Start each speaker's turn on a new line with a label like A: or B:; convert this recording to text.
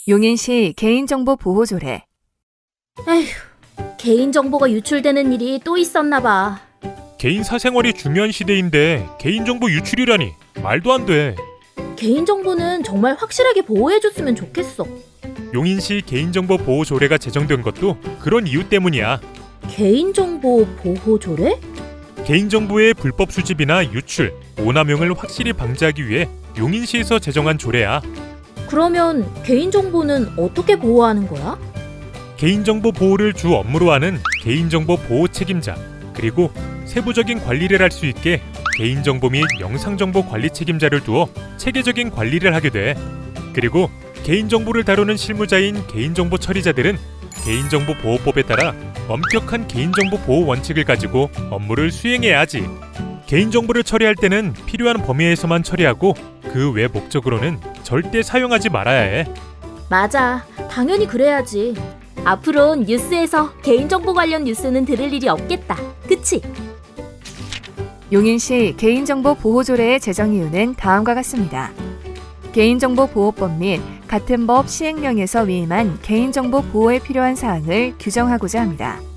A: 용인시 개인정보 보호조례.
B: 에휴, 개인정보가 유출되는 일이 또 있었나 봐.
C: 개인 사생활이 중요한 시대인데 개인정보 유출이라니 말도 안 돼.
B: 개인정보는 정말 확실하게 보호해줬으면 좋겠어.
C: 용인시 개인정보 보호 조례가 제정된 것도 그런 이유 때문이야.
B: 개인정보 보호 조례?
C: 개인정보의 불법 수집이나 유출, 오남용을 확실히 방지하기 위해 용인시에서 제정한 조례야.
B: 그러면 개인정보는 어떻게 보호하는 거야?
C: 개인정보 보호를 주 업무로 하는 개인정보 보호 책임자, 그리고 세부적인 관리를 할 수 있게 개인정보 및 영상정보 관리 책임자를 두어 체계적인 관리를 하게 돼. 그리고 개인정보를 다루는 실무자인 개인정보 처리자들은 개인정보보호법에 따라 엄격한 개인정보 보호 원칙을 가지고 업무를 수행해야 하지. 개인정보를 처리할 때는 필요한 범위에서만 처리하고 그 외 목적으로는 절대 사용하지 말아야 해.
B: 맞아, 당연히 그래야지. 앞으론 뉴스에서 개인정보 관련 뉴스는 들을 일이 없겠다. 그치?
A: 용인시 개인정보 보호조례의 제정 이유는 다음과 같습니다. 개인정보보호법 및 같은 법 시행령에서 위임한 개인정보 보호에 필요한 사항을 규정하고자 합니다.